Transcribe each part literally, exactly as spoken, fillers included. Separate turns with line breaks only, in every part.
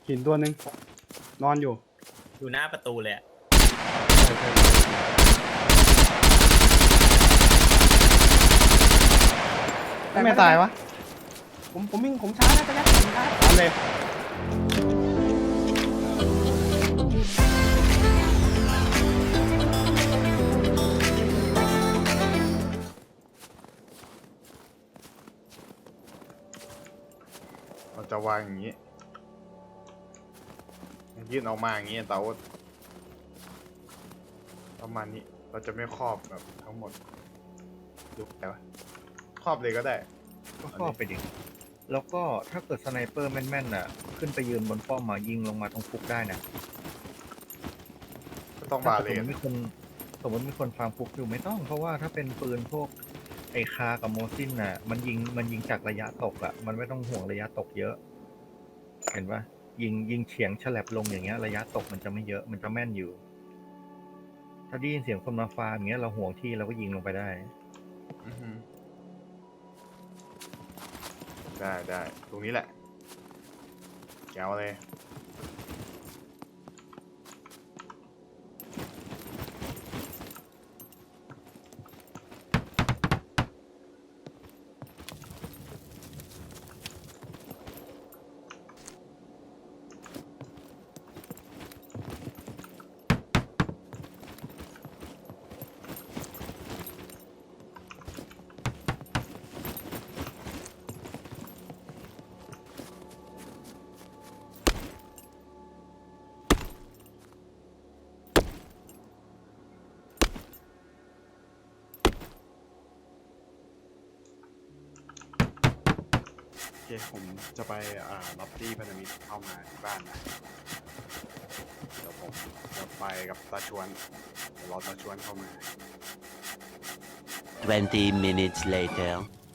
หินตัวหนึ่งนอนอยู่
อยู่หน้าประตูเลย
ไม่ตายวะ
ผมผมวิ่งผมช้านะจะยัดผมช้า
ตามเลยเราจะวางอย่างนี้ยื่นออกมาอย่างนี้เต๋าประมาณนี้เราจะไม่ครอบแบบทั้งหมดดูแต่ว่าครอบเลยก็ได้
ก็ครอบไปดิแล้วก็ถ้าเกิดสไนเปอร์แม่นๆน่ะขึ้นไปยืนบนป้อมมายิงลงมาตรงฟุกได้นะ
ก็ต้องบาเลน
สมมติมีคนสมมติมีคนฟาร์มฟุกอยู่ไม่ต้องเพราะว่าถ้าเป็นปืนพวกไอคากับโมซินน่ะมันยิงมันยิงจากระยะตกอ่ะมันไม่ต้องห่วงระยะตกเยอะเห็นปะยิงยิงเฉียงฉลับลงอย่างเงี้ยระยะตกมันจะไม่เยอะมันจะแม่นอยู่ ถ้าได้ยินเสียงคนมาฟาร์มอย่างเงี้ยเราห่วงที่เราก็ยิงลงไปได้
ได้ได้ตรงนี้แหละแก้วเลยโอเคผมจะไปอ่าล็อบบี้พันธมิตรเข้ามาที่บ้านนะเดี๋ยวผมจะไปกับตาชวนเดี๋ยวรอตาชวนเข้ามา
twenty minutes later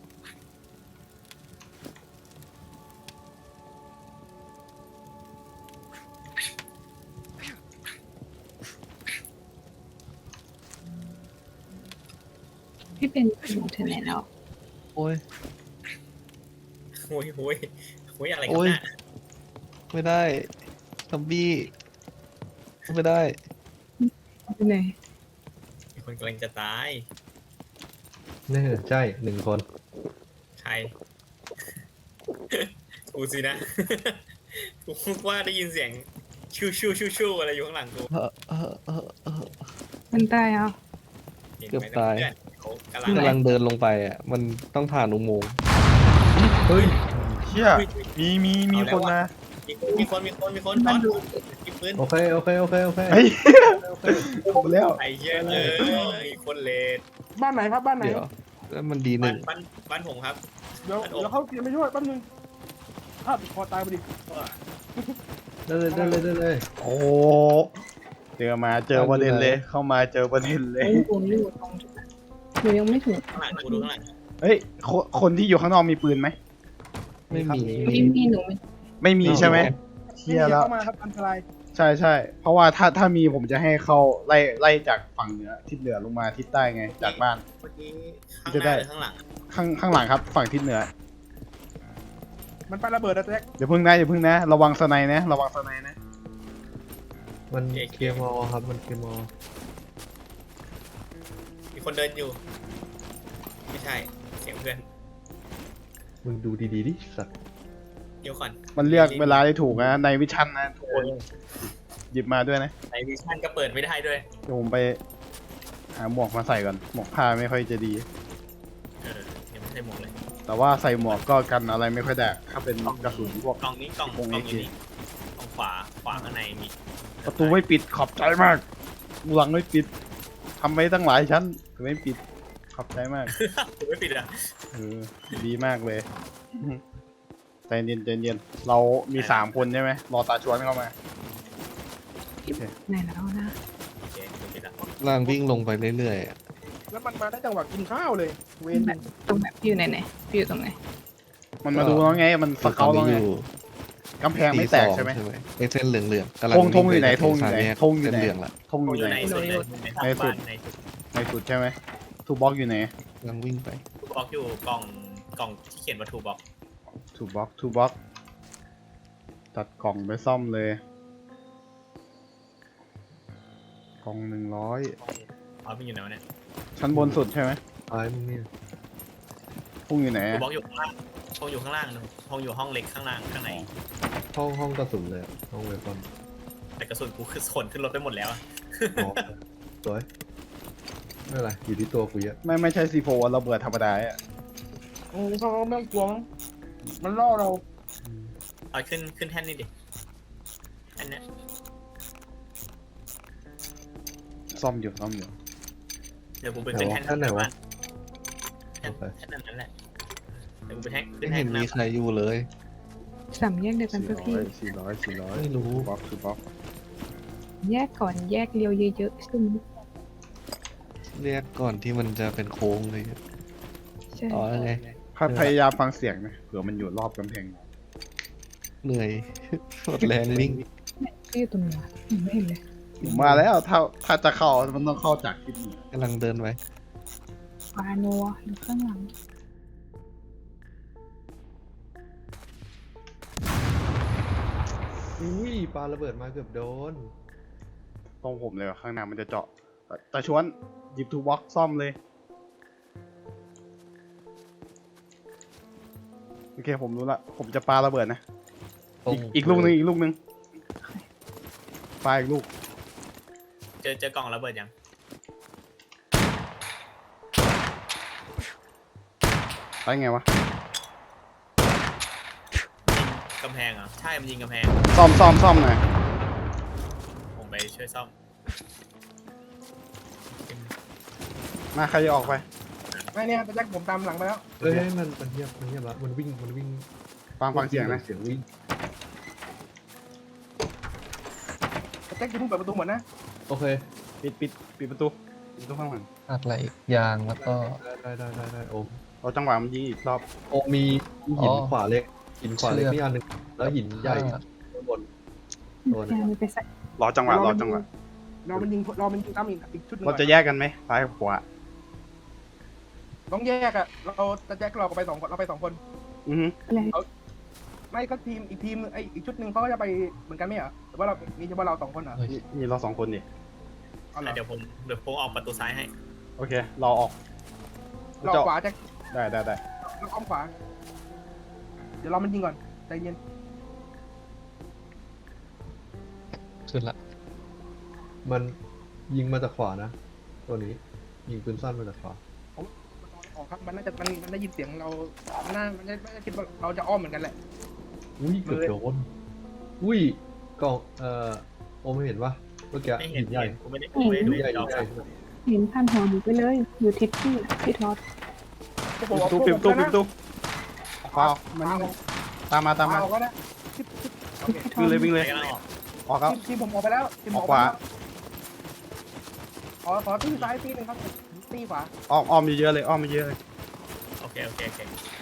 พี่เป็นถึงถึงไหนแล้ว
โอ้ย
โอ้ยโอ้ยโอ้ยอะไรกันน่ะ
ไม่ได้ซอมบี้ไม่ได้
ไปไหน
มีคนกำลังจะตาย
นี่ใช่หนึ่งคน
ใครกูสินะกูว่าได้ยินเสียงชูชูชูชูอะไรอยู่ข้างหลังกู
มันตายอ่ะ
เกือบตาย
กำลัง
กำลังเดินลงไปอ่ะมันต้องผ่านอุโมงค์
เฮ้ยเชี่ยมีมีมีคนนะ
มีคนมีคนมีคนตอนมีปืน
โอเคโอเคโอเคโอเค
เฮ้ยผมแล้ว
ไอ้เหี้ยเลยคนเลด
บ้านไหนครับบ้านไหน
เดี๋ยวแล้วมันดีหนึ่ง
บ้านบ้านผมครับ
เดี๋ยวเดี๋ยวเขาเตรียมไปช่วยแป๊บนึงถ้าพอตายพอดี
ได้เลยได้เลยได้เลย
โอ้เจอมาเจอประเด็นเลยเข้ามาเจอประเด็นเลย
ผมอยู่ตรงหนูยังไม่ถึง
ข้างหลังกูดูข้างหลัง
เฮ้ยคนที่อยู่ข้างนอกมีปืนไหม
ไม่มี
ไม่มีหนู
ไม่มีใช่ไหมเชี่ยแล้ว
เข้ามาครับอันตราย
ใช่ใช่เพราะว่าถ้าถ้ามีผมจะให้เขาไล่ไล่จากฝั่งเหนือทิศเหนือลงมาทิศใต้ไงจากบ้าน
เมื่อกี้ข้างหน้าหรือข้างหลัง
ข้างข้างหลังครับฝั่งทิศเหนือ
มันไประเบิดนะแจ็ค
เดี๋ยวพึ่งนะเดี๋ยวพึ่งนะระวังสไนนะระวังสไนนะ
มันเคลียร์มอครับมันเคลียร์มอ
มีคนเดินอยู่ไม่ใช่เสียงเพื่อน
มึงดูดีๆดิสัตว์
เดี๋ยวก่อน
มันเรียกเวลาได้ถูกนะในวิชั่นนะทุกคนหยิบมาด้วยนะ
ในวิชั่นก็เปิดไม่ได้ด้วย
เดี๋ยวผมไปหาหมวกมาใส่ก่อนหมวกผ้าไม่ค่อยจะดี
เออยังไม่ใช่หมวกเลย
แต่ว่าใส่หมวกก็กันอะไรไม่ค่อยได้ถ้าเป็นกระสุนพวก
กล่องนี้กล่องกล่องอยู่นี่กล่องขวาขวาข้างในมี
ประตูไม่ปิดขอบใจมากหลังไม่ปิดทำไว้ตั้งหลายชั้นไม่ปิดขอบใจมาก
ไม่ปิดอ่ะ
เออดีมากเลยใจเย็นใจเย็นเรามีสามคนใช่ไหมรอตาชวนเข้ามา
ไหนแล้วนะ
โอเคปิดแล้ว
ล่างวิ่งลงไปเรื่อย
ๆแล้วมันมาได้จังหวะกินข้าวเลยเวน
แบบตรงแบบพี่อยู่ไหนไหนพี่อยู่ตรงไหน
มันมาดูแล้วไงมันสเกลแล้วไงกำแพงไม่แตกใช่ไหม
ไอเส้นเหลืองๆ
กำลังธงอยู่ไหนธงอยู่ไหนธงอยู่ไหน
เหลืองละ
ธงอยู่ไหน
ในสุด
ในสุดใช่ไหมทูบ็อกอยู่ไหน
กำลังวิ่งไป
ทูบ็อกอยู่กล่องกล่องที่เขียนว่าทูบ็อก
ทูบ็อกทูบ็อกจัดกล่องไปซ่อมเลย กล่องหนึ่งร้อย
เอาไปอยู่ไหนวะเนี่ย
ชั้นบนสุดใช่ไหม
ตายมึงเนี่ย
พุ่งอยู่ไหน
กู
อะ
บล็อกอยู่ข้างล่างห้องอยู่ข้างล่างนึงห้องอยู่ห้องเล็กข้างล่างข้างใน
ห้องห้องกระสุนเลยอะห้องเวฟอน
แต่กระสุนกูคือขนขึ้นรถไปหมดแล้วอะ
อ๋อสวยไม่เป็นไรอยู่ที่ตัวกูเยอะ
ไม่ไม่ใช่ซีโฟระเบิดธรรมดาอ่ะ
อืมเขาไม่ต้องกลัวมั้งมันล่อเรา
เอาขึ้นขึ้นแท่นนี่ดิอันเนี้ย
ซ่อมอยู่ซ่อมอยู่
เดี๋ยวกูไปขึ้นแท่น
ท่านไหนวะ
แท่นแท่นนั้นแหละเดี๋ยวกูไปแท่นขึ้
ไม่
นแท่
เห็
น
น
นะ
มีใครอยู่เลย
สามแยกเดียวกัน
สี่
ปะพี่
ร้อยสี่ร้อยสี่ร้อย
ไม่รู้
บล็อกคือบล็อก
แยกก่อนแยกเรียวเยอะๆซึ่ง
เรียกก่อนที่มันจะเป็นโค้งเลยอะ
ใช่
อ๋อแล้วไง
พยายามฟังเสียงนะเผื่อมันอยู่รอบกำแพง
เหนื่อย หมดแรงวิ่ง
พี่อยู่ตรงไหนวะผมไม่เห็นเลย
ผมมาแล้วถ้าถ้าจะเข้ามันต้องเข้าจากทิศเหนือก
ำลังเดินไว้
ปาโนัวหรือข้างหลัง
อุ้ยปาระเบิดมาเกือบโดน
ตรงผมเลยว่ะข้างหน้ามันจะเจาะแต่แต่ชวนหยิบทูบ็อกซ่อมเลยโอเคผมรู้ละผมจะปาระเบิดนะ
ตรง
อีกอีกลูกหนึงอีกลูกหนึงปาอีกลูก
เจอเจอกล่องระเบิดยัง
ไปไงวะ
ยิงกำแพงเหรอใช่มันยิงกำแพง
ซ่อมซ่อมซ่อมหน่อย
ผมไปช่วยซ่อม
มาใครจะออกไป
ไม่เนี่ยแต่แจ็คผมตามหลังไปแล้ว
เอ้ยมันมันเงียบมันเงียบละมันวิ่งมันวิ่ง
ฟังฟังเสียงนะ
เสียงวิ่ง
แต่แจ็คจะเพิ่งเปิดประตูหมดนะ
โอเค
ปิดปิดปิดประตูปิดประตูข้างหลัง
อัดไหลยางแล้วก็ได้ได้ได้ได้โอม
เราจังหวะมันยิงอีกรอบ
โอมมีหินขวาเล็กหินขวาเล็กนี่อันหนึ่งแล้วหินใหญ่ข้างบน โดน
แกมันไปใส่
รอจังหวะรอจังหวะ
เรามันยิงเรามันยิงตามอีกอีกชุดหนึง
เรา
ก่อน
จะแยกกันไหมซ้ายกับขวา
ต้องแยกอะเราแต่แจ็คเราก็ไปสองคนเราไปสองคน
อือฮึ
อะไร
ไม่ก็ทีมอีกทีมนึงไอยอีกชุดหนึ่งเขาก็จะไปเหมือนกันไหมเหรอหรือว่าเรามีเฉพาะเราสองคนเหรอ
เฮ้ย
มีมีเราสองคนดิ
เอาเหรอ
เดี๋ยวผมเดี๋ยวผมออกประตูซ้ายให้
โอเคเราออก
เราขวาแจ็ค
ได้ได้ได้
เราอ้อมขวา เดี๋ยวเรามันยิงก่อนใจเย็น
ขึ้นละ มันยิงมาจากขวานะ ตัวนี้ ยิงปืนสั้นมาจากขวา
ออกครับมันน่าจะมันมันได้ยินเสียงเรามันน่ามันน่าจะคิดว่าเราจะอ้อมเหมือนกันแหละ
อุ้ยเกือบโดนอุ้ยกล่องเอ่อโอมไม่เห็นปะเมื่อกี้
ไม่เห็
หิ
น
นใหญ่
กูไม่ได้กูไม่ได้
หิ
ดู
นใหญ่
จ
หิ
อน
ใหญ่
เห็นพันหัวหนูไปเลย อยู่ทิศที่พี่ทอด
พวกผ
ปิ
ม
ด
อ
ป
อก
ระตู
พวก
ปิด
ผ
ประ
ม
ตู
แล้ว
ปิด
นะ
ประตูออกมามันตามมาตามมา
เอาก็ได้ชิปชิปโอเค
พี่ทอ
วิ่ง
ด
เลยวิ่ง
ไป
เลย
กันแล้วออก
ออกแล้ว
ทีมผมออกไปแล้วทีมผมออก
ออกขวา
ขอขอตีซ้ายตีหนึ่งครับตีขวา
อ้อมอ้อมเยอะๆเลยอ้อมเยอะๆเลย
โอเคโอเคโอเค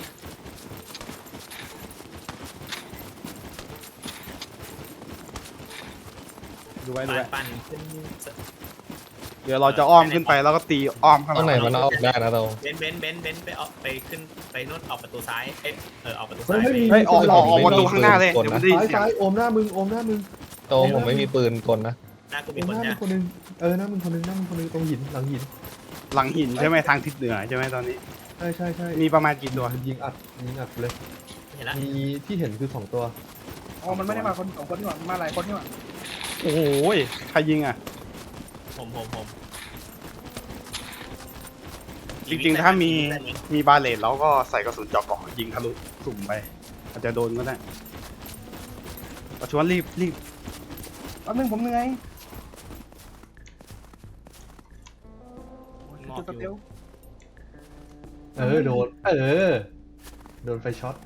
ดูไว้ดู
ปั่น
ไว้
ปั่นขึ้น
เดี๋ยวเราจะอ้อมขึ้นไปแล้วก็ตีอ้อมข้างห
ข้างไหน
ลัง
มันเอาออกได้นะเรา
เบนซ์เบนซ์เบนซ์เบนซ์ไปออกไปขึ้นไปนู่นออกประตูซ้ายเอ้ยเออออกประตู
เฮ้
ซ้าย ย
ไม่มี
เฮ้ยออกออกออกประตูข้างหน้าเลย
กด
เดี๋ยวมั
นะ
นได้ยิน
ซ้าย
เสียง
ซ้ายโอมหน้ามึงโอมหน้ามึง
โตผมไม่มีปืนกลนะ
หน้ากู
โอ
มี
ม
คน
หน้ามึ
นะ
งคนหนึงเออหน้ามึงคนหนึงหน้ามึงคนหนึงตรงหินหลังหิน
หลังหินใช่ไหมทางทิศเหนือใช่ไหมตอนนี้
ใช่ใช่ใช่
มีประมาณกี่ตัว
ยิงอัดยิงอัดเลย
เห็นละ
มีที่เห็นคือสองตัว
อ๋อมันไม่ได้มาคนสองคนนี่หว่ามันมาหลายคนนี่หว่า
โอ้โหใครยิงอ่ะ
ผมผมผม
จริงๆถ้ามีมีบาเลตแล้วก็ใส่กระสุนเจาะเกาะยิงทะลุสุ่มไปอาจจะโดนก็ได้ประชวนรีบรีบ
แป๊บนึงผมเหนื่อย
มอบ
จุดส
อ
เต
ยู่
ล
เออโดน เออ โดนไฟช็อต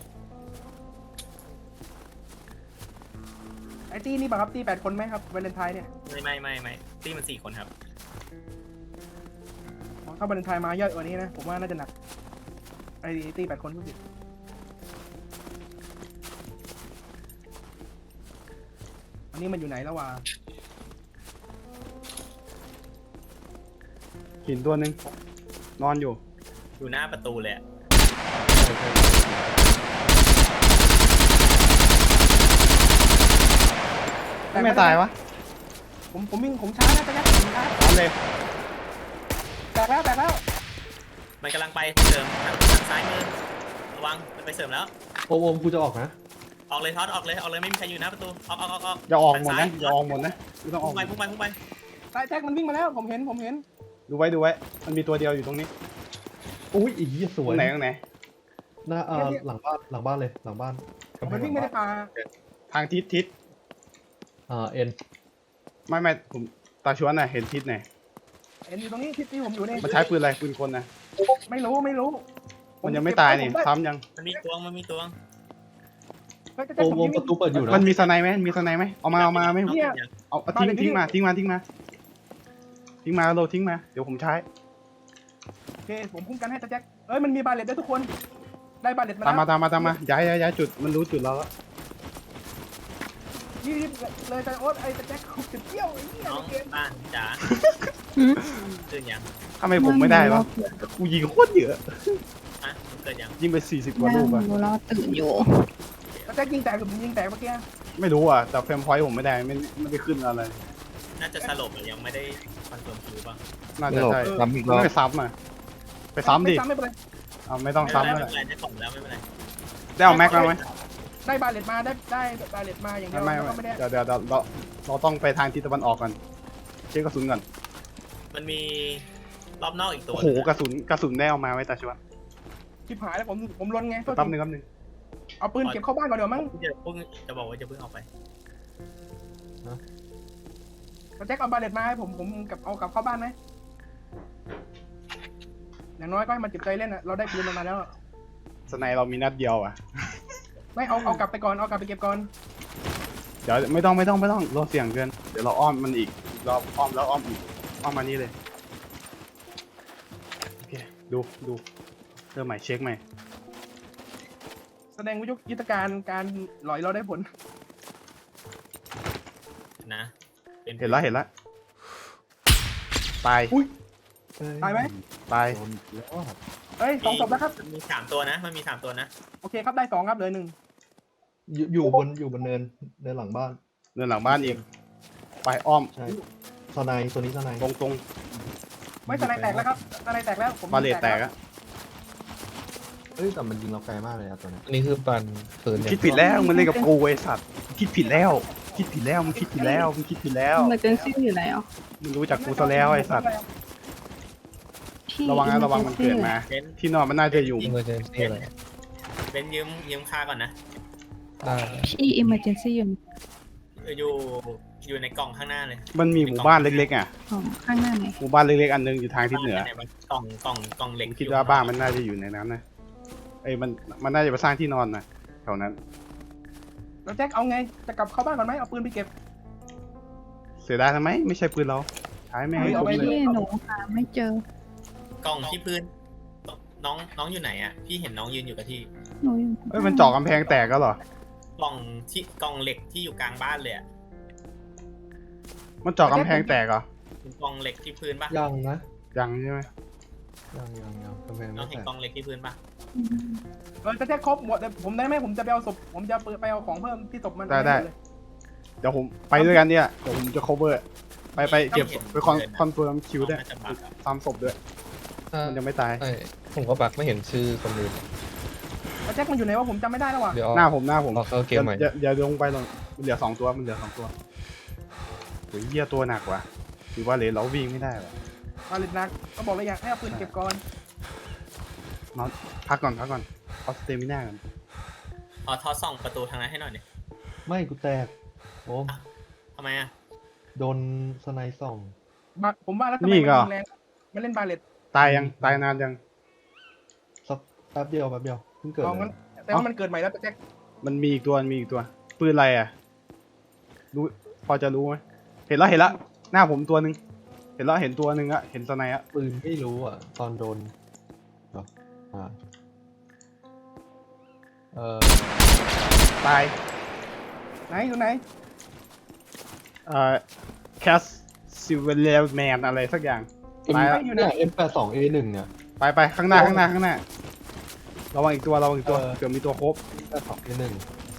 ไอตีนี่ป่ะครับตีแปดคนไหมครับวาเลนไทน์เนี่ย
ไม่ไม่ไม่ไม่ที่มันสี่คนครับ
อ๋อถ้าวาเลนไทน์มาเยอะกว่านี้นะผมว่าน่าจะหนักไอตีแปดคนก็สิอันนี้มันอยู่ไหนแล้ววะ
หินตัวหนึ่งนอนอยู่
อยู่หน้าประตูเลยอะ
ไม่ไม่ตายวะ
ผมผมวิ่งผมช้านะแจ็คผมช้า
เอาเลย
แตกแล้วแตกแล้ว
มันกำลังไปเสริมทางทางซ้ายมือระวังมันไปเสริมแล้ว
โอมโอมกูจะออกนะ
ออกเลยท็อตออกเลยออกเลยไม่มีใครอยู่หน้าประตูออกออกออกออก
อย่าออกหมด
ทางซ้
นะอย่าออกหมดนะไม่ต้องออ
พุ่
ก
งไปพุ่งไปพุ่งไป
ตายแจ็คมันวิ่งมาแล้วผมเห็นผมเห็น
ดูไว้ดูไว้ มันมีตัวเดียวอยู่ตรงนี้
อุ้ยอีกส
ตร
วย
งไหนตรงไหน
หน้าเอ่อหลังบ้านหลังบ้านเลยหลังบ้าน
มันวิ่งไม่ได้ปลา
ทางทิศทิศ
อ่าเอ็น
ไม่ไม่ผมตาชวนน่ะเห็นทิศไหน
เห็นอยู่ตรงนี้ที่ที่ผมอยู่นี่
มันใช้ปืนอะไรปืนคนนะ
ไม่รู้ไม่รู้
มันยังไม่ตายนี่ซ้ำยัง
มันมีตัวมันมีตัว
เฮ้ยแจ็ค
โอม
ผม
โอม
วิ่ง
ประตูเปิดอยู่นะ
มันมีสไนไหมมีสไนไหมเอามาเอามาไม่
เนี่ย
เอาเอาทิ้ง
บ้านเด็ก
ทิ้งมา
นี่
ทิ้งมาทิ้งมาทิ้งมาโลทิ้งมาเดี๋ยวผมใช้
โอเคผมคุ้มกันให้แจ็คเอ้ยมันมีบาเลตด้วยทุกคนได้บาเลตมา
ตามมา
แล้ว
ตามมาตามมาย้ายย้ายย้ายจุดมันรู้จุดเราแล้ว
ยี่สิบเลยแต่โอ๊ตไอ้แจ็คเขาจะเที่ยวไอ้เหี้ย
น้อง
ในเกม
บ้านจ๋า
หืม
ตื่นยัง
ทำไมผมไม่ได้วะกูยิงโคตรเยอะ
ฮะเกิดยัง
ยิงไปสี่สิบกว่า
นั่
ลู
ง
กอะ
ดูแล้วตื่นอยู่
แล้วแจ็คยิงแตกหรือผมยิงแตกเมื่อกี้
ไม่รู้อ่ะแต่เฟรมพอยต์ผมไม่ได้ไม่ไม่ได้ขึ้นอะไร
น่าจะสลบหรือยังไม่ได้คอนเฟิร์มคิวป่ะ
น่า
ไม่
จะ
หลบ
ใช่
ซ้ำอีกร
ต้
อ
อง
บ
ไปซ้ำอ่ะไปซ้ำดิ
ไม่ซ้ำไม่เป็นไร
เอาไม่ต้อง
ไม่
ซ้ำ
เป็น
แล้ว
ไรไม่เป็นไรได้ของแล้วไม่เป็นไร
ได้เอาแม็กมาไหม
ได้บาเลตมาได้ได้บาเลตมาอย่างเดียว
ไม่
แล้ว
ไม่
ก็ไม่ได้
เดี๋ยวเดี๋ยวเดี๋ยวเราเราต้องไปทางทิศตะวันออกกันเช็คกระสุนก่อน
มันมีรอบนอกอีกตัว
โอ้โหกระสุนกระสุนได้เอามาไว้ตาชวน
ชิบหายแล้วผมผมลนไง
แป๊บนึงแป๊บนึง
เอาปืนเก็บเข้าบ้านก่อนเดี๋ยวมั้ง
จะเพิ่งจะบอกว่าจะเพิ่งเอาไป
แจ็คเอาบาเลตมาให้ผมผมกับเอากลับเข้าบ้านไหมอย่างน้อยก็ให้มันเจ็บใจเล่นอ่ะเราได้ปืนมันมาแล้ว
สไนเรามีนัดเดียวอ่ะ
ไม่เอาเอากลับไปก่อนเอากลับไปเก็บก่อน
เดี๋ยวไม่ต้องไม่ต้องไม่ต้องเราเสี่ยงเกินเดี๋ยวเราอ้อมมันอีกอีกรอบอ้อมแล้วอ้อมอีกอ้อมมานี่เลยโอเคดูดูเริ่มใหม่เช็คใหม่
แสดงว่ายุทธการการหลอยเราได้ผล
นะป็
เห็นแล้วเห็นแล้วตาย
ตายไหม
ตาย
โดนแล้ว
เอ้ยสองศพแล้วครับ
มันมีสามตัวนะ มันมีสามตัวนะ
โอเคครับได้สองครับเหลือหนึ่ง
อยู่อยู่บนอยู่บนเนินเนินหลังบ้าน
เดินหลังบ้านอีกไปอ้อม
ใช่สไนตัวนี้สไน
ตรงตรง
ไม่สไนแตกแล้วครับสไนแตกแล้วผม
บาเลตแตกอะ
เอ้ยแต่มันยิงเราไกลมากเลยอะตัวเนี้ย
อันนี้คือปันปืน
คิดผิดแล้วมันเล่นกับกูไอสัตว์คิดผิดแล้วคิดผิดแล้วมึงคิดผิดแล้วมึงคิดผิดแล้ว
มันเจนซี่อยู่แล้ว
มึงรู้จักกูซะแล้วไอสัตว์
ที่
ระวังนะระวังมันเกิดมา
เบน
ที่นอนมันน่าจะอยู่
ยิงมาเจนซี่อะไร
เบนยืมยืมค่าก่อนนะ
ได้
ที่ emergency อยู่
อยู่อยู่ในกล่องข้างหน้าเลย
มันมีหมู่บ้านเล็กๆอ่ะ
ของข้างหน้าไหน
หมู่บ้านเล็กๆอันหนึงอยู่ทางทิศเหนือ
กล่องกล่องกล่องเหล็ก
ผมคิดว่าบ้านมันน่าจะอยู่ในนั้นนะเอ้ยมันมันน่าจะไปสร้างที่นอนนะแถวนั้น
แล้วแจ็คเอาไงจะกลับเข้าบ้านก่อนไหมเอาปืนไปเก็บ
เสียดายทำไมไม่ใช่ปืนเราใช้ไม่ให้
เอา
ผม
ไป
เลย
ที่หนูหาไม่เจอก
ล่องที่พื้น น้องน้องอยู่ไหนอ่ะ พี่เห็นน้องยืนอยู่กับที่
หนูอยู่
เอ้ยมันเจาะกำแพงแตกก็เหรอก
ล่องที่กล่องเหล็กที่อยู่กลางบ้านเลยอ่ะ
มันเจาะกำแพงแตกเหรอ
เป็นกล่องเหล็กที่พื้นปะ
ยังนะ
ยังใช่ไหม
ยังยังยังกำแพง
น้อ
ไม่
งเห็น
แตก
กล่องเหล็กที่พื้นปะ
อืม
เออแจ็คครบหมดแต่ผมได้ไหมผมจะไปเอาศพผมจะไปเอาของเพิ่มที่ศพมัน
ได้ได้เดี๋ยวผมไปด้วยกันเนี่ยเดี๋ยวผมจะ cover ไปไปเก็บศพไปคอนคอนเฟิร์มคิวด้วย
น่าจะบักอะ
ซ้ำศพด้วย
อ่า
มันยังไม่ตาย
ใช่ผมก็บักไม่เห็นชื่อคนอื่น
แล้วแจ็คมันอยู่ไหนวะผมจำไม่ได้แล้วว่ะ
เดี๋ยว
หน้าผมหน้าผม
รอเข้าเกมใหม่
อย่าอย่าอย่าลงไปหรอกมันเหลือสองตัวมันเหลือสองตัวโอ้ยเหี้ยตัวหนักว่ะถือว่าเลนเราวิ่งไม่ได้ว่ะ
บาเลตนักก็บอกเลยอยากให้เอาปืนเก็บก่อน
พักก่อนพักก่อนเอาสเตมิน่าก่อน
เอาทอดส่องประตูทางนั้นให้หน่อยดิ
ไม่กูแตกโอ้
ทำไมอ่ะ
โดนสไนส่อง
บาผมว่าแล้วทำไมมันยิงแรงมันเล่นบาเลต
ตายยังตายนานยัง
สักแป๊บเดียวแป๊บเดียวเพิ่งเกิด
เอา
เล
งั้น
ย
แต่ว่ามันเกิดใหม่แล้วแจ็ค
มันมีอีกตัวมันมีอีกตัวปืนอะไรอ่ะรู้พอจะรู้ไหมเห็นแล้วเห็นแล้วหน้าผมตัวหนึ่งเห็นแล้วเห็นตัวหนึ่งอะเห็นสไนอะ
ปืนไม่รู้อ่ะ ตอนโดนเหรออ่าเออ
ตาย
ไหนอยู่ไหน
เอ่อแคสซิเวเลแมนอะไรสักอย่าง ตายแล้ว
อยู่ไหน
เนี่ย เอ็ม แปดสิบสอง เอ หนึ่ง เนี่ย
ไปไปข้างหน้าข้างหน้าข้างหน้าระวังอีกตัวระวังอีกตัว
เออ
เกือบมีตัวครบ
แปดสิบสอง เอ หนึ่ง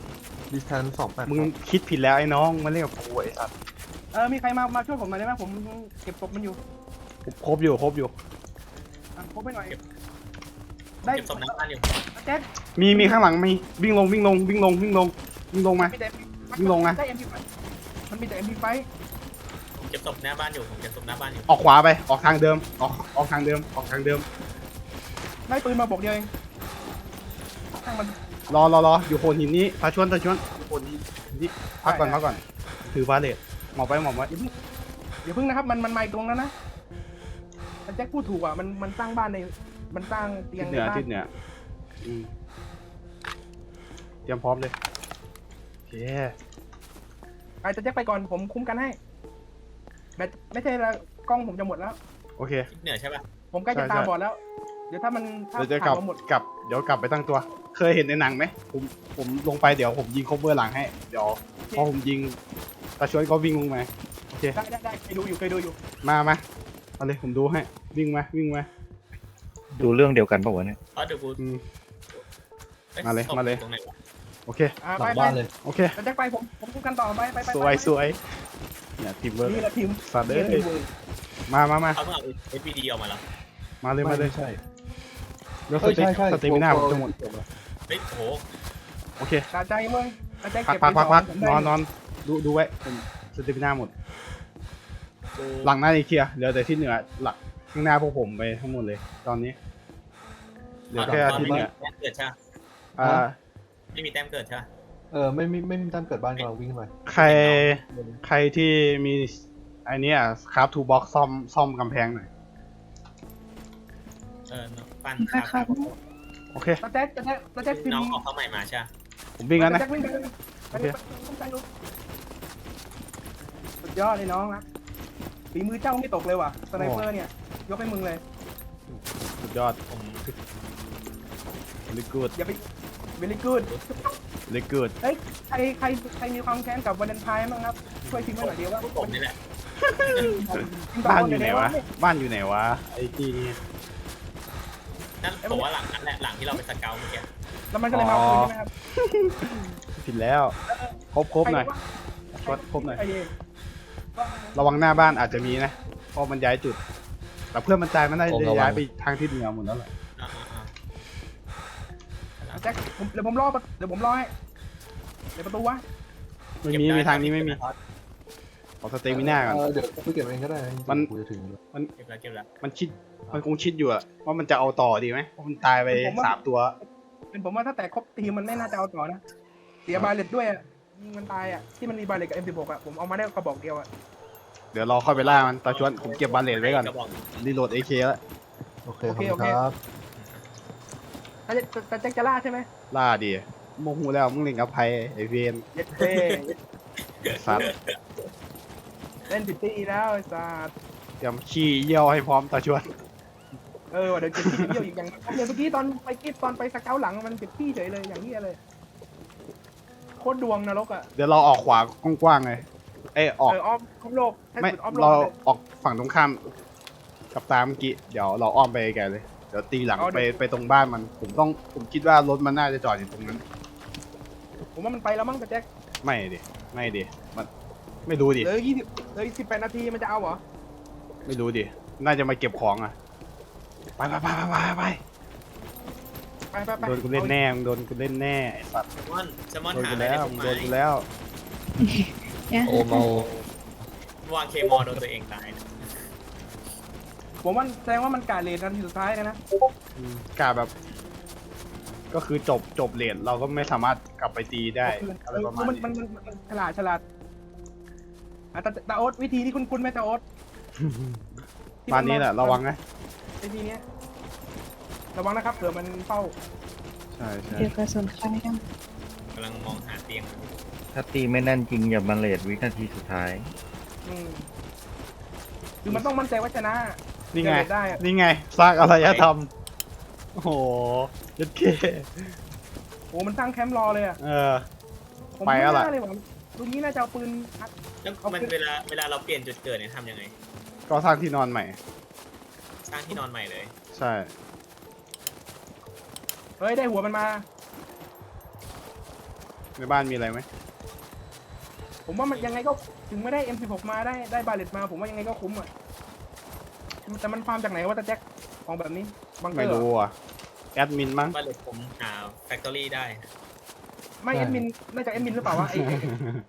ดิสแทนสองแปด
มึงคิดผิดแล้วไอ้น้องมาเล่นกับกูไอ้สัตว์
เออมีใครมามาช่วยผมหน่อยได้ไหมผมเก็บศพมันอยู่
ครบอยู่ครบอยู่
อ่ะพบไปหน่อย
เก็บ
ได้
เก็บศพหน้าบ้านอยู่
แจ็ค
มีมีข้างหลังมีวิ่งลงวิ่งลงวิ่งลงวิ่งลงวิ่งลงมา
มีแต่
วิ่งลงนะ
ได้ เอ็ม พี ไฟ มันมีแต่ เอ็ม พี ไฟ
ผมเก็บศพหน้าบ้านอยู่ผมเก็บศพหน้าบ้านอยู่
ออกขวาไปออกทางเดิมออกออกทางเดิมออกทางเดิม
ได้ปืนมาบอกเดียวเองช่างมัน
รอรอรออยู่โคนหินนี้ตาชวนตาชวนอยู่โคนหินนี้พักก่อนพักก่อนถือบาเลตหมอบไปหมอบไว้
อย่าเพิ่งนะครับ มันมันมาอีกตรงนั้นนะแต่แจ็คพูดถูกอ่ะ มันมันสร้างบ้านใน มันสร้างเตีย
ทิ
ง
ศ
ใน
เหนือ
บ้าน
ทิศเหนืออืมเตรียมพร้อมเลยโอเค
ไปแต่แจ็คไปก่อน ผมคุ้มกันให้แบตไม่ใช่ละกล้องผมจะหมดแล้ว
โอเค
ทิศเหนือใช่ปะ
ผมใกล้จะ
ใช่
ตา
ใช่
บอดแล้ว เดี๋ยวถ้ามันถ้า
เดี๋ยวจะกลับ
ผ่านมาหมด
กลับเดี๋ยวกลับไปตั้งตัว เคยเห็นในหนังไหมผมผมลงไปเดี๋ยวผมยิงคบเบอร์หลังให้เดี๋ยวพอผมยิงตาชวนก็วิ่งลงมาโอเค
ได้ได้ได้เคยดูอยู่เคยดูอยู่
มามาเอาเลยผมดูให้วิ่งมาวิ่งมา
ดูเรื่องเดียวกันปะวะเนี่ย
อ๋อเดี๋ยวกู
อืม
อ้
มาเลย
ศพ
มาเลย
ตรงไหนวะ
โอเค
อ่า
ห
ไป
ลัง
ไป
บ้านเลย
โอเค
แต่แจ็คไปผมผมคุ้มกันต่อไปไปไป
สวย
ไป
สวยเนี่ยทีมเวิร์ก
นี่แหละทีม
สัตว์เอ้
นี่
ย
แหละทีมเวิร์ก
มามามา
เขาเพิ่งเอา เอฟ พี ดี ออกมาแล้ว
มาเลยมาเลย
ไใช่
แล้วส
เฮ้ย
เต็
ใช่ใช่
สเตมิน่าผมจะหมด
เฮ้ยโอ้โห
โอเค
ตาใจมึงตาใจ
พัก
เก็บ
พักพักพัก
ผม
น
ได้
อนนอนดูดูไว้ผมสเตมิน่าหมด
กู
หลังหน้านี่เคลียร์เหลือแต่ที่เหนือหลักข้างหน้าพวกผมไปทั้งหมดเลย ตอนนี้เหลือแค่
ตอน
ที่
ไม่
เห
มี
นือ
แต้มเกิดใช่ปะ
อ่า
ไม่มีแต้มเกิดใช่ปะ
เออไม่ไม่ไม่มีตั้งเกิดบ้านกำลังวิ่งมา
ใครใครที่มีไอเนี้ยครับทูบ็อกซ่อมซ่อมกำแพงหน่อย
เออปั้น
ค่ะค่ะ
โอเค
ตาแจ็คตาแจ็คตาแจ็คทีม
น้องออกเข้าใหม่มาใช่ปะ
ผมวิ่งแล้วนะ
ตาแจ็ควิ่งไปเลย
โอเค
คุ้มกันดูสุดยอดเลยน้องนะฝีมือเจ้าไม่ตกเลยว่ะสไนเปอร์เนี่ย ยกให้มึงเลย
สุดยอด
ผม
very good
อย่าไปเวลี่กูด
very good
เฮ้ยใครใครใครมีความแค้นกับวาเลนไทน์บ้างครับ ช่วยพิมพ์ไว้หน่อยเดียวว่า
พวกผมนี่แหละ
บ้านอยู่ไหนวะ บ้านอยู่ไหนวะไอ้ที่นี่
นั่นผมว่าหลังนั้นแหละหลังที่เราไปสเกลเมื่อกี้
แล้วมันก็เลยมาเอาคืนใช่ไหมครับ
ผิดแล้วครบครบหน่อย
ใ
ช็อตครบหน่อย
ใเง
ระวังหน้าบ้านอาจจะมีนะเพราะมันย้ายจุด แต่เพื่อนมันตายมันได้
ผมระวัง
ย้ายไปทางที่เหนือหมดแล้วแหละ
อ่าอ่าอ่า
แจ็คผมเดี๋ยวผมรอประเดี๋ยวผมรอให้เดี๋ยวประตูวะ
ไม่มีมีทางนี้ไม่มีขอสเตมิน่าก่อน
เออเดี๋ยวกูเก็บเองก็ได้จริงๆ
มัน
กูจะถึงแล้ว
เก็บแล้วเก็บแล้ว
มันคิดมันคงคิดอยู่อะว่ามันจะเอาต่อดีไหมเพราะมันตายไปสามตัว
เป็นผมว่าถ้าแต่ครบทีมมันไม่น่าจะเอาต่อนะ เสียบาเลตด้วยอ่ะยิงมันตายอ่ะ ที่มันมีบาเลตกับ เอ็ม สิบหก อ่ะ ผมเอามาได้กระบอกเดียวอ่ะ
เดี๋ยวรอเข้าไปล่ามันตาชวนผมเก็บบาเลตไว้ก่อน
กระบอก
รีโหลดเอเคแล้ว
โอเคขอบคุณครับ
ถ้าจะจะแจ็คจะล่าใช่ไหม
ล่าดีโมโหแล้วมึงเล่นกับไพไอเวน
เย็ดเท่
สัตว์
เล่นผิดที่แล้วไอ้สัส
เตรียมขี้เยี่ยวให้พร้อมตาชวน
เออว่ะเดี๋ยวจะขี้เยี่ยวอีกอย่างเดี๋ยวเมื่อกี้ตอนไปกิ๊บตอนไปสเกลหลังมันผิดที่เฉยเลยอย่างนี้ยเลย โคตรดวงนรกอ่ะ
เดี๋ยวเราออกขวากว้างๆเลยเอ้ยออก
เอออ้อมครอบโลกให้
ไม่
สุดอ้อมโล
เรา
กเลย
ออกฝั่งตรงข้ามกับตามเมื่อกี้เดี๋ยวเราอ้อมไปไกลเลยเดี๋ยวตีหลัง
เอา
ไป
เดี๋ยว
ไปตรงบ้านมัน ผมต้องผมคิดว่ารถมันน่าจะจอดอยู่ตรงนั้น
ผมว่ามันไปแล้วมั้งแต่แจ็ค
ไม่ดิไม่ดิมันไม่รู้ดิ
เหลือยี่สิบเหลือสิบแปดนาทีมันจะเอาเหรอ
ไม่รู้ดิน่าจะมาเก็บของอ่ะไปไปไปไปไปไป
ไปไปไป
โดนกูเล่นแน่มึงโดนกูเล่นแน่ไอ้สัตว์
แซลมอนแซลมอน
โดน
หา
กู
อะไร
แล้
ได้
ว
ผม
มึง
ไหม
โดนกูแล้ว
โอเมาว
างเคมอลโดนตัวเองตายนะ
ผมว่าแสดงว่ามันกาเลนนาทีสุดท้ายนะนะ
อืมกาแบบ ก็คือจบจบเลนเราก็ไม่สามารถกลับไปตีได้อะไรประมาณ
มัน
นี้
มันมันมันฉลาดฉลาดอ่ะแต่แต่โอ๊ตวิธีที่คุณคุณไหมแต่โอ๊ต
บ้านนี้แหละระวังนะ
วิธีเนี้ยระวังนะครับเผื่อมันเฝ้า
ใช่ใช่
เดี๋ยวกระสุนใครกัน
กำลังมองหาเตียง
ถ้าตีไม่แน่นจริงอย่ามาเลทวินาทีสุดท้าย
อืมคือมันต้องมั่นใจว่าชนะ
นี่ไง
เดี๋ยวได้อะ
นี่ไงสร้างอารยธรรมโอ้โหยัดเค
โอ้มันสร้างแคมป์รอเลยอ่ะ
เออ
ผม
ไปแล้วล่ะ
ม่น่าเลยว่ะลุงนี้น่าจะเอาปืนอัด
แล้วมันเวลาเวลาเราเปลี่ยนจุดเกิดเนี่ยทำยังไง
ก็สร้างที่นอนใหม่
สร้างที่นอนใหม่เลย
ใช่
เฮ้ยได้หัวมันมา
ในบ้านมีอะไรไหม
ผมว่ามันยังไงก็ถึงไม่ได้ เอ็ม สิบหก มาได้ได้บาเลตมา ผมว่ายังไงก็คุ้มอ่ะแต่มันฟาร์มจากไหนวะตาแจ็คของแบบนี้บังเกอ
ไม่
ร์เหร
รู้
อ
อ่ะแอดมินมั้ง
บ้านเล็กผมหาแฟคทอรี่ได้
ไม่แอดมินน่าจะแอดมินหรือเปล่าวะไอ้ไอ้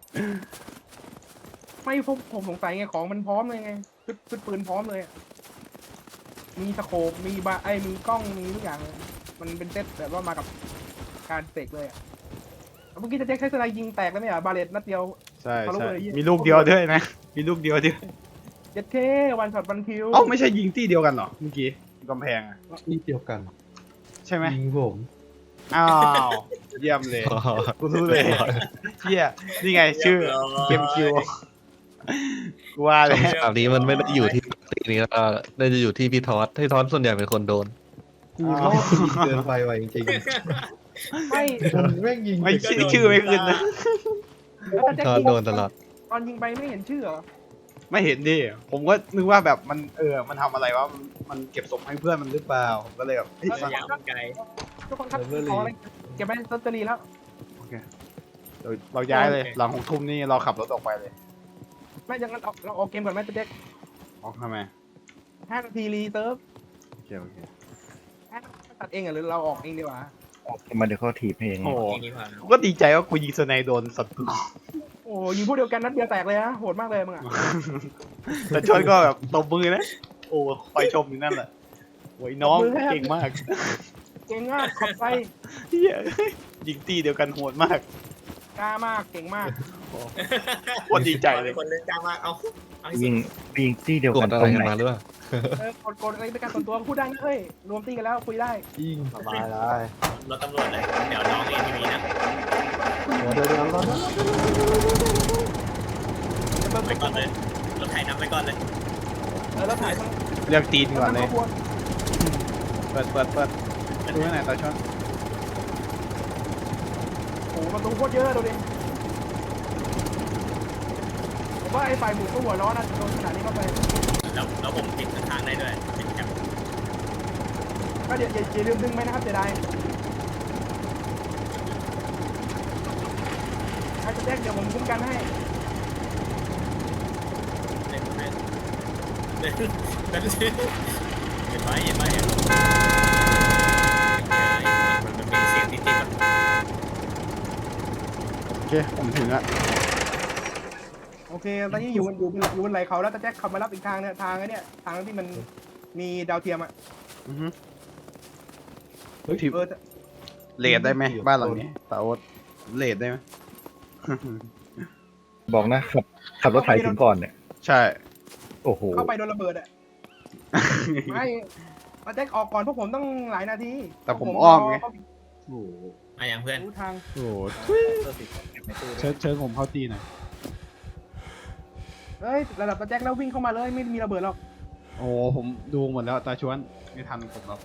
ไม่ผมผมสงสัยไงของมันพร้อมเลยไงชุดชุดปืนพร้อมเลยอะมีสโคปมีบาไอ้มีกล้องมีทุกอย่างเลยมันเป็นเซตแบบว่ามากับการเสกเลยอ่ะเมื่อกี้จะแจ็คใช้สไนยิงแตกแล้วเนี่ยบาเลตนัดเดียว
ใช่
เขารู้
ใช่
เลย
มีลูกเดียวด้วยนะ มีลูกเดียวด้วย
เจ็ดเท่วันช็อตวันคิว
เอ้าไม่ใช่ยิงที่เดียวกันเหรอเมื่อกี้กำแพงอ่ะ
นี่เดียวกัน
ใช่ไหม
ยิงผม
อ้าวเยี่ยมเลยกูรู้เลยเฮียนี่ไงชื่อเกมคิวกูว่าเลย
คำถามนี้มันไม่ได้อยู่ที่ปาร์ตี้นี้แล้วน่าจะอยู่ที่พี่ทอสพี่ทอสส่วนใหญ่เป็นคนโดน
กูรอบยิงเกินไปว่ะจริง
ไม่
ๆมันแม่งยิง
ไม่ชื่อชื่อไม่ขึ้นนะ
แล้วตาแจ็ค
ทอส
ยิง
โดนตลอด
ตอนยิงไปไม่เห็นชื่อเหรอ
ไม่เห็นดิผมก็นึกว่าแบบมันเออมันทำอะไรวะมันมันเก็บศพให้เพื่อนมันหรือเปล่าผมก็เลยแบบเฮ้ย
ระยะมันไกล
ทุกคนครับขออะไรเก็บไปลอตเตอรี่แล้ว
โอเคเราเราย้ายเลยหลังหกทุ่มนี่เราขับรถออกไปเลย
ไม่อย่างนั้นเอาเราออกเกมก่อนไหมตาแจ็ค
ออกทำไม
ห้านาทีรีเซิร์ฟ
โอเคโอเค
ตัดเองเหรอหรือเราออกเองดีกว่า
มาเดี๋ยวเขาถีบให้เอง
โอ้โห
อย่างนี้ผ่าน
กูก็ดีใจว่ากูยิงสไนโดนศัตรู
โอ้ยิงพวกเดียวกันนัดเดียวแตกเลยนะโหดมากเลยมึงอ่ะ
แต่ชอนก็แบบตบมือนะโอ้คอยชมอยู่นั่นแหละโอ้ยน้องเก่งมาก
เก่งมากขอบใจ
เฮียยิงตีเดียวกันโหดมาก
กล้ามากเก่งมาก
โคตรดีใจเลย
คนเล่นจ้ามากเอาเอาให้สุ
ยิ
ด
งยิงที่เดียว
ก
กั
ด
น
อะ
ต
ไร
รง
กัน
ไหน
มาหรือเปล่า
เออกดกดอะไรเป็นการส่วนตัวพูดได้นะเฮ้ยรวมตีกันแล้วคุยได้
ยิง
สบายได้
รถตำรวจเลยเดี๋ยวน้องเอ็นทีวีนะ
เดี๋ยวเดี๋ยวเดี๋ยวรอนะ
ไปก่อนเลยรถไถนำไปก่อนเลย
เออแล้วถ่ายทั้ง
เรียกตีนก่อนเลย
ทั้งขบวน
เปิดเปิดเปิดดูให้หน่อยตาชอน
โอ้โหประตูโคตรเยอะดูดิผมว่าไอ้ฝ่ายหมูก็หัวร้อนนะโดนขนาดนี้เข้าไป
แล้วแล้วผมติดข้างๆได้ด้วยติดแคป
ก็เดี๋ยวอย่าอย่าลืมดึงไหมนะครับเสียดายถ้าจะแจ้งเดี๋ยวผมคุ้มกันให้
เล่นเล่นเล่นเล่นเห็นไหมเห็นไหมเห็นไหมมันเป็นเสียงติดๆแบบ
โอเคผมถึงละ
โอเค ตอนนี้อยู่บนอยู่บนอยู่บนไหลเขาแล้วแต่แจ็คขับมารับอีกทางเนี่ยทางไอ้เนี่ยทางที่มันมีดาวเทียมอ่ะ
อือฮึ
เฮ้ย
เออ
เลดได้ไหมบ้านหลังนี้ตาโอ๊ตเลดได้ไหม
บอกนะขับขับรถไถถึงก่อนเนี่ย
ใช่
โอ้โห
เข้าไปโดนระเบิดอ่ะ ไม่แต่แจ็คออกก่อนพวกผมต้องหลายนาที
แต่ผมอ้อมไง
เข้า
โอ้โห
มาอย่างเพื่อน
รู้ทาง
โอ้โหเชิญเชิญผมเข้าตีหน่อย
เฮ้ยระดับแต่แจ็คแล้ววิ่งเข้ามาเลยไม่มีระเบิดหรอก
โอ้โหผมดูหมดแล้วตาชวนไม่ทันผมหรอก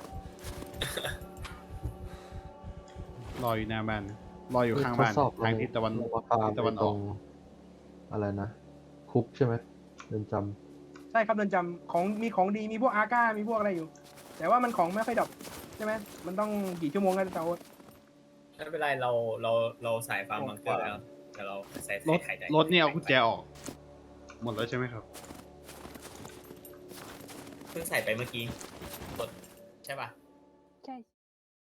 รออยู่หน้าบ้านรออยู่ข้างบ้าน
ทดสอบ
ทางทิศตะวัน
ลงมาฟาร์ม
ทิศตะวันอ
ตร
อก
งอะไรนะ คุกใช่ไหมเรือนจ
ใช่ครับเดินจำของมีของดีมีพวกอาก้ามีพวกอะไรอยู่ แต่ว่ามันของไม่ค่อยดรอปใช่ไหมมันต้องกี่ชั่วโมงกันเตา
ไม่เป็นไรเราเราเราสายฟาร์มบังเกอร์แล้วแต่เราใส่
รถ
ไข่ใจ
รถนี่เอากุญแจออก หมดแล้วใช่ไหมครับ
เพิ่งใส่ไปเมื่อกี้กดใช่ป่ะ
ใช่